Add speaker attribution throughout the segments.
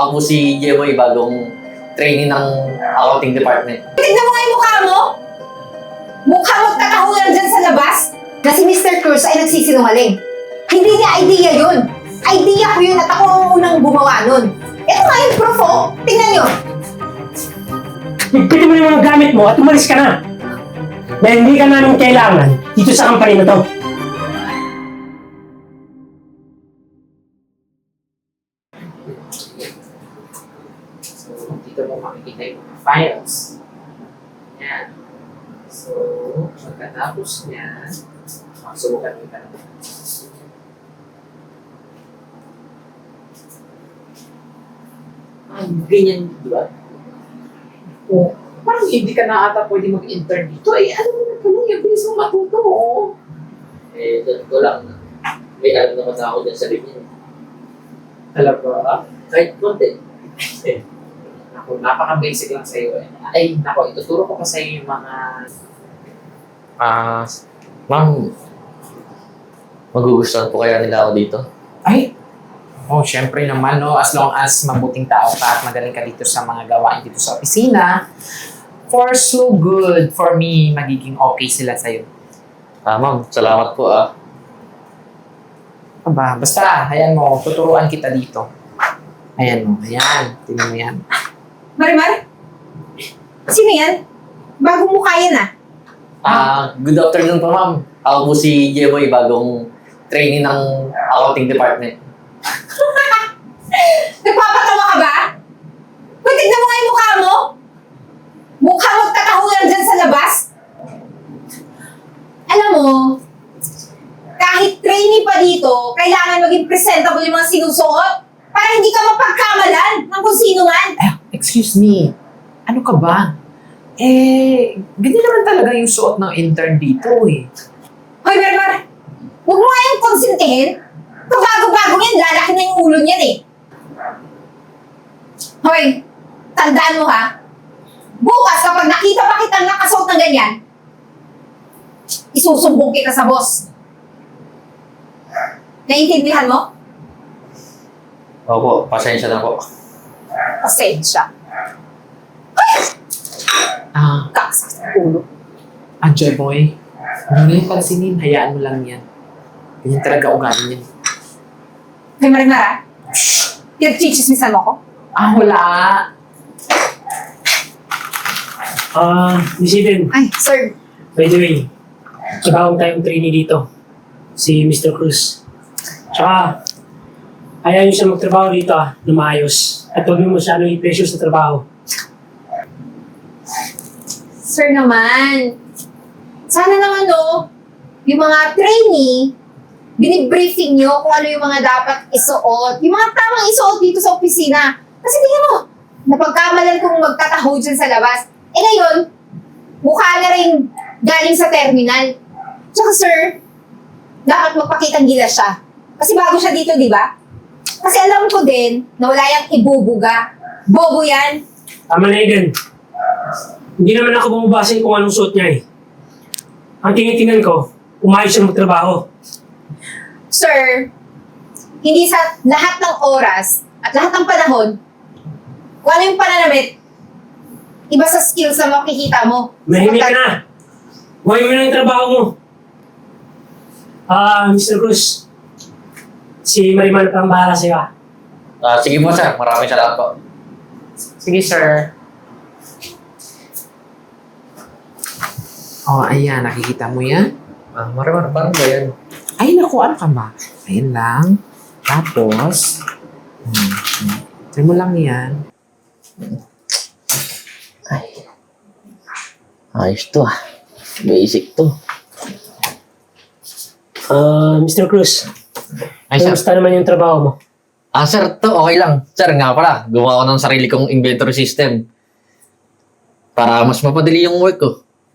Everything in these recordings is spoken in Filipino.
Speaker 1: Ako po si Jeboy, bagong trainee ng accounting department.
Speaker 2: Tignan mo nga yung mukha mo! Mukha magkatahulan dyan sa labas na si Mr. Cruz ay nagsisinungaling. Hindi niya idea yun. Idea ko yun at ako ang unang gumawa nun. Ito nga yung proof, oh. Tingnan nyo.
Speaker 3: Pwede mo yung mga gamit mo at umalis ka na. Dahil hindi ka namin kailangan dito sa company na to.
Speaker 4: So, dito mo makikita yung mga files. Yan. So, pagkatapos niya, subukan mo ka naman. Ganyan, di ba? O, parang hindi ka na ata pwede mag-intern dito. Eh, ano mo na pala yung bilis mo matuto, oh.
Speaker 1: Eh, doon ko lang. May alam naman na ako dyan sa linya.
Speaker 4: Talaga?
Speaker 1: Kahit konti.
Speaker 4: Ako, napaka-basic lang sa'yo eh. Ay, nako, ituturo ko pa sa'yo yung mga...
Speaker 1: Ma'am, magugustuhan po kaya nila ako dito?
Speaker 4: Ay! Oh, syempre naman, no? As long as mabuting tao ka at magaling ka dito sa mga gawain dito sa opisina, for so good, for me, magiging okay sila sa'yo.
Speaker 1: Ma'am, salamat po
Speaker 4: Aba, basta, ayan mo, tuturuan kita dito. Ayan mo, ayan, tingnan mo yan.
Speaker 2: Marimar? Sino yan? Bagong mukha yan, ah.
Speaker 1: Good afternoon po, ma'am. Ako po si Jeboy, bagong trainee ng accounting department.
Speaker 2: Nagpapatawa ka ba? Uy, tignan mo nga yung mukha mo! Mukha magkatahulan dyan sa labas! Alam mo, kahit trainee pa dito, kailangan maging presentable yung mga sinusuot para hindi ka mapagkamalan ng kung sino man.
Speaker 4: Excuse me, ano ka ba? Eh, ganyan naman talaga yung suot ng intern dito eh.
Speaker 2: Hoy, Berber! Huwag mo nga yung konsintihin. Kabago-bago yan, lalaki na yung ulo niyan eh. Hoy, tandaan mo ha. Bukas kapag nakita pa kitang nakasuot ng ganyan, isusumbong kita sa boss. Naiintindihan mo?
Speaker 1: Opo, pasensya na po.
Speaker 2: Pasensya. Kaksak sa ulo.
Speaker 4: Joy boy, huwag mo yung pansinin, hayaan mo lang yan. Ganyan talaga ugali niyan.
Speaker 2: Hoy, Marimar ha? Pinagchichismisan mo ko?
Speaker 4: Wala.
Speaker 3: Miss Eden,
Speaker 2: Ay, sir.
Speaker 3: by the way, bagong tayong trainee dito. Si Mr. Cruz. Tsaka, ayaw niyo siya magtrabaho dito na maayos. At huwag niyo masyado i-pressure sa trabaho.
Speaker 2: Sir naman. Sana naman no, yung mga trainee, binibriefing nyo kung ano yung mga dapat isuot. Yung mga tamang isuot dito sa opisina. Kasi tingnan mo, napagkamalan kong magtataho dyan sa labas. Eh ngayon, mukha na rin galing sa terminal. Tsaka sir, dapat magpakitang gilas siya. Kasi bago siya dito, di ba? Kasi alam ko din na wala yung ibubuga. Bobo yan.
Speaker 3: Tama na, Eden. Hindi naman ako bumabase kung anong suot niya eh. Ang tinitingnan ko, umayos siya magtrabaho.
Speaker 2: Sir, hindi sa lahat ng oras at lahat ng panahon, kung ano yung pananamit, iba sa skills na makikita mo.
Speaker 3: Mahimik ka na. Huwag mo na yung trabaho mo. Mr. Cruz. Si Marimar pa ang bahala sa'yo ah.
Speaker 1: Sige po, sir. Maraming salamat po.
Speaker 4: Sige, sir. Ayan, nakikita mo yan?
Speaker 1: Marimar, paano ba yan?
Speaker 4: Ay, naku, ano ka ba? Ayan lang. Tapos, try mo lang yan.
Speaker 1: Ayos to Basic to.
Speaker 3: Mr. Cruz.
Speaker 1: Ay, sir.
Speaker 3: Kamusta naman yung trabaho mo?
Speaker 1: Sir, to okay lang. Sir, nga pala, gumawa ko ng sarili kong inventory system. Para mas mapadali yung work ko.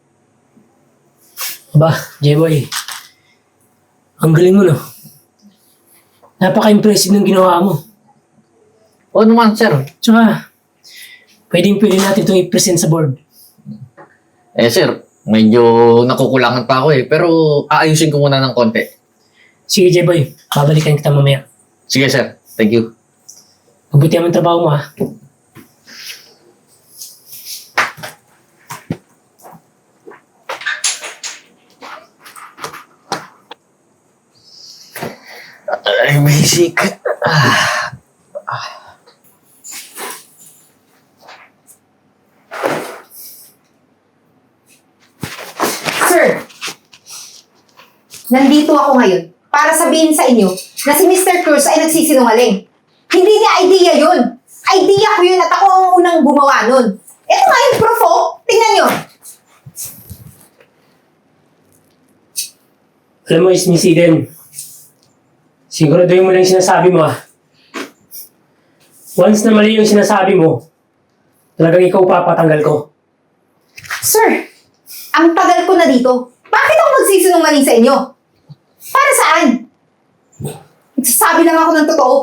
Speaker 3: Ba, J-Boy. Ang galing mo, no? Napaka-impressive ng ginawa mo.
Speaker 1: Oo naman, sir.
Speaker 3: Tsaka, pwede natin itong i-present sa board.
Speaker 1: Sir, medyo nakukulangan pa ako pero aayusin ko muna ng konti.
Speaker 3: Sige, J-Boy. Babalikan kita mamaya.
Speaker 1: Sige, sir. Thank you.
Speaker 3: Mabuti ang trabaho mo, ha?
Speaker 1: Ay, basic.
Speaker 2: Sir, nandito ako ngayon para sabihin sa inyo na si Mr. Cruz ay nagsisinungaling. Hindi niya idea yun. Idea ko yun at ako ang unang gumawa nun. Ito nga yung proof, oh. Tingnan nyo.
Speaker 3: Alam mo, Miss Eden, siguraduhin mo lang yung sinasabi mo, ha? Once na mali yung sinasabi mo, talagang ikaw papatanggal ko.
Speaker 2: Sir, ang tagal ko na dito. Bakit ako magsisinungaling sa inyo? Para saan? Nagsasabi lang ako ng totoo.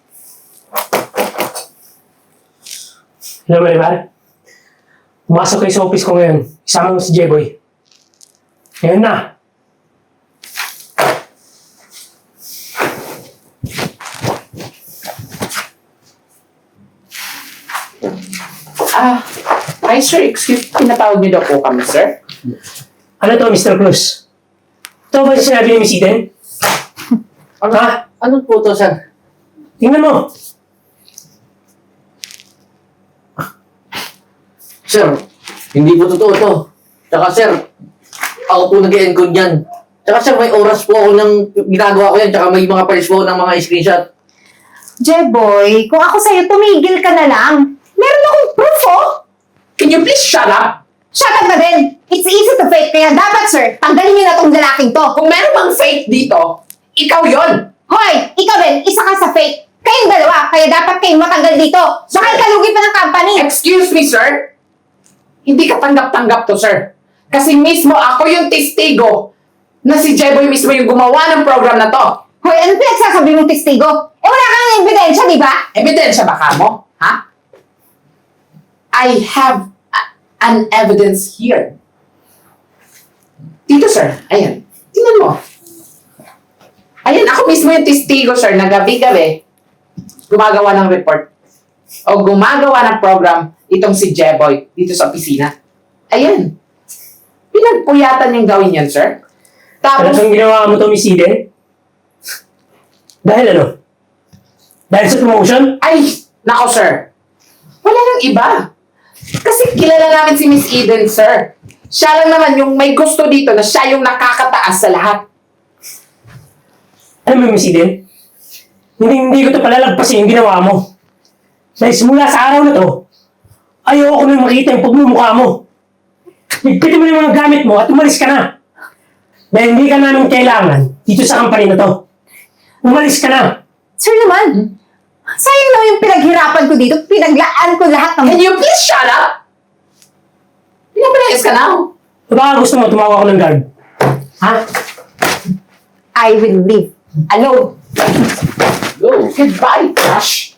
Speaker 3: Alam mo, Marimar, pumasok kayo sa office ko ngayon. Isama mo si J-Boy. Ngayon na.
Speaker 4: Hi sir, excuse, pinatawag niyo daw po kami, sir?
Speaker 3: Ano to, Mr. Cruz? Ito ba yung sinabi ni Miss Eden? Ha?
Speaker 1: Ano po to, sir?
Speaker 3: Tingnan mo.
Speaker 1: Sir, hindi po totoo to. Tsaka sir, ako po nag-encode yan. Tsaka sir, may oras po ako ng ginagawa ko yan. Tsaka may mga files po ng mga screenshot.
Speaker 2: Jeboy, kung ako sa'yo, tumigil ka na lang. Meron akong proof, oh.
Speaker 4: Can you please shut up?
Speaker 2: Shut up na din. It's easy to fake, kaya dapat, sir, tanggalin niyo na tong lalaking to.
Speaker 4: Kung meron bang fake dito, ikaw yon.
Speaker 2: Hoy, ikaw din, isa ka sa fake. Kayong dalawa, kaya dapat kayong matanggal dito. Baka ikalugi pa ng company.
Speaker 4: Excuse me, sir? Hindi ka tanggap-tanggap to, sir. Kasi mismo ako yung testigo na si Jeboy mismo yung gumawa ng program na to.
Speaker 2: Hoy, ano pinagsasabi mong testigo? Eh, wala kang ebidensya, di ba?
Speaker 4: Ebidensya ba ka mo? Ha? I have an evidence here. Dito, sir. Ayan. Tingnan mo. Ayan, ako mismo yung testigo, sir, na gabi-gabi gumagawa ng report o gumagawa ng program itong si Jeboy dito sa opisina. Ayan. Pinagpuyatan niyang gawin yan, sir. Tapos,
Speaker 3: Talagang ginawa mo to, Miss Eden? Dahil ano? Dahil sa promotion?
Speaker 4: ay, nako, sir. Wala nang iba. Kasi kilala namin si Miss Eden, sir. Siya lang naman yung may gusto dito na siya yung nakakataas sa lahat.
Speaker 3: Alam mo, Miss Eden? Hindi ko to palalagpasin yung ginawa mo. Dahil simula sa araw na to, ayoko nang makita yung pagmumukha mo. Ligpitin mo yung mga gamit mo at umalis ka na. Dahil hindi ka namin kailangan dito sa company na to. Umalis ka na.
Speaker 2: Sir naman, sayang naman yung pinaghirapan ko dito. Pinaglaan ko lahat ng...
Speaker 4: Can you please shut up? Pinapalayas ka na.
Speaker 3: O baka gusto mo tumawag ako ng guard? Ha?
Speaker 2: I will leave alone.
Speaker 4: Go. Goodbye, Crush.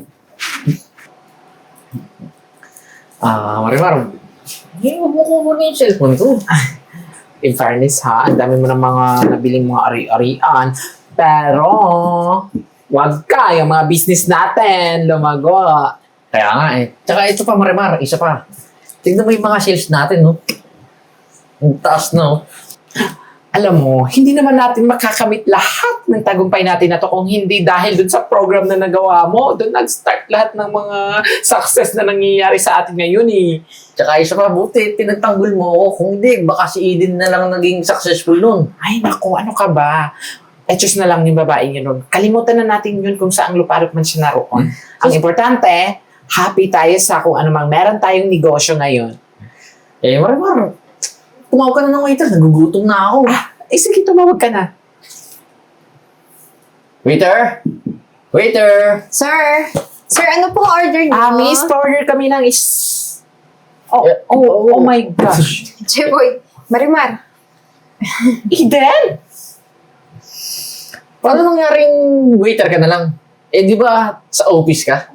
Speaker 1: Marimar. Hindi mo kukunin yung cellphone ko.
Speaker 4: In fairness ha, ang dami mo ng mga nabiling mga ari-arian. Pero, wag ka, yung mga business natin, lumago.
Speaker 1: Kaya nga eh. Tsaka ito pa, Marimar, isa pa. Tignan mo yung mga sales natin, no? Ang taas, no?
Speaker 4: Alam mo, hindi naman natin makakamit lahat ng tagumpay natin na to kung hindi dahil dun sa program na nagawa mo. Doon nag-start lahat ng mga success na nangyayari sa atin ngayon eh.
Speaker 1: Tsaka isa pa, buti, pinagtanggol mo ako. Kung hindi, baka si Eden na lang naging successful nun.
Speaker 4: Ay naku, ano ka ba? Etos na lang yung babaeng yun. Kalimutan na natin yun kung saang luparot man siya naroon. Ang importante, happy tayo sa kung ano mang meron tayong negosyo ngayon.
Speaker 1: Eh, Marimar, tumawag ka na ng waiter. Nagugutom na ako.
Speaker 4: Sige, tumawag ka na.
Speaker 1: Waiter! Waiter!
Speaker 2: Sir, ano pong order niyo?
Speaker 4: Miss, order kami ng oh my gosh.
Speaker 2: Jeboy, Marimar.
Speaker 4: Eden!
Speaker 1: Paano nangyaring waiter ka na lang? Eh, di ba sa office ka?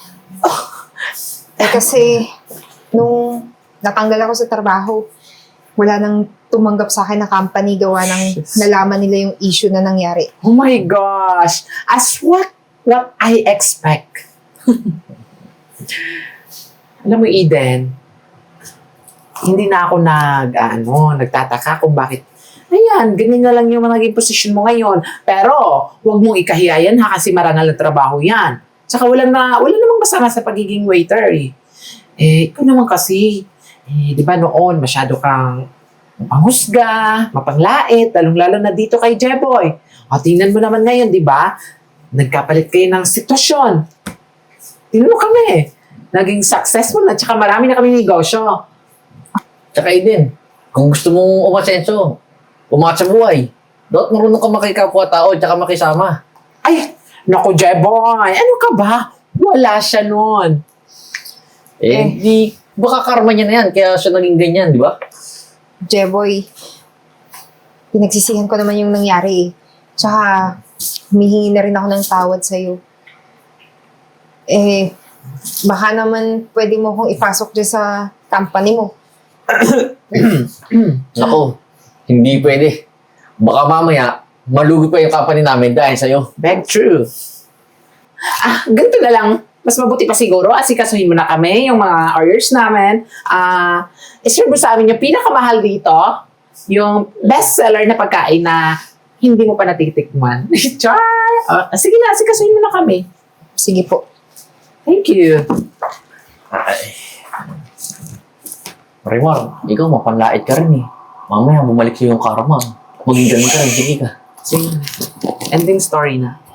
Speaker 2: Eh kasi, nung natanggal ako sa trabaho, wala nang tumanggap sa akin na company gawa ng nalaman nila yung issue na nangyari.
Speaker 4: Oh my gosh. As what I expect. Alam mo, Eden, hindi na ako nagtataka kung bakit, ayan, ganyan na lang yung naging posisyon mo ngayon. Pero, huwag mong ikahiya yan ha, kasi marangal na trabaho yan. Tsaka wala namang masama sa pagiging waiter eh. Ikaw naman kasi, di ba noon, masyado kang mapanghusga, mapanglait, lalong-lalo na dito kay Jeboy. O, tingnan mo naman ngayon, di ba? Nagkapalit kayo ng sitwasyon. Tingnan mo kami. Naging successful na, tsaka marami na kami negosyo.
Speaker 1: Tsaka Eden, kung gusto mong umasenso, umangat sa buhay, dapat marunong ka makikapwa-tao at saka makisama.
Speaker 4: Ay, naku, Jeboy, ano ka ba? Wala siya nun.
Speaker 1: Di, baka karma niya na yan, kaya siya naging ganyan, di ba?
Speaker 2: Jeboy, pinagsisihan ko naman yung nangyari eh. Tsaka, humihingi na rin ako ng tawad sa'yo. Baka naman pwede mo kong ipasok dyan sa company mo.
Speaker 1: Nako, hindi pwede. Baka mamaya, malugi pa yung company namin dahil sa'yo.
Speaker 4: Beg true. Ganito na lang. Mas mabuti pa siguro, asikasuhin mo na kami, yung mga orders namin. Iserve mo sa amin yung pinakamahal dito, yung best seller na pagkain na hindi mo pa natitikman. Char! Sige na, asikasuhin mo na kami.
Speaker 2: Sige po.
Speaker 4: Thank you.
Speaker 1: Ay. Marimar, ikaw mapanlait ka rin eh. Mamaya bumalik sa'yo yung karma. Maging ganun ka rin, sige ka.
Speaker 4: Sige. Ending story na.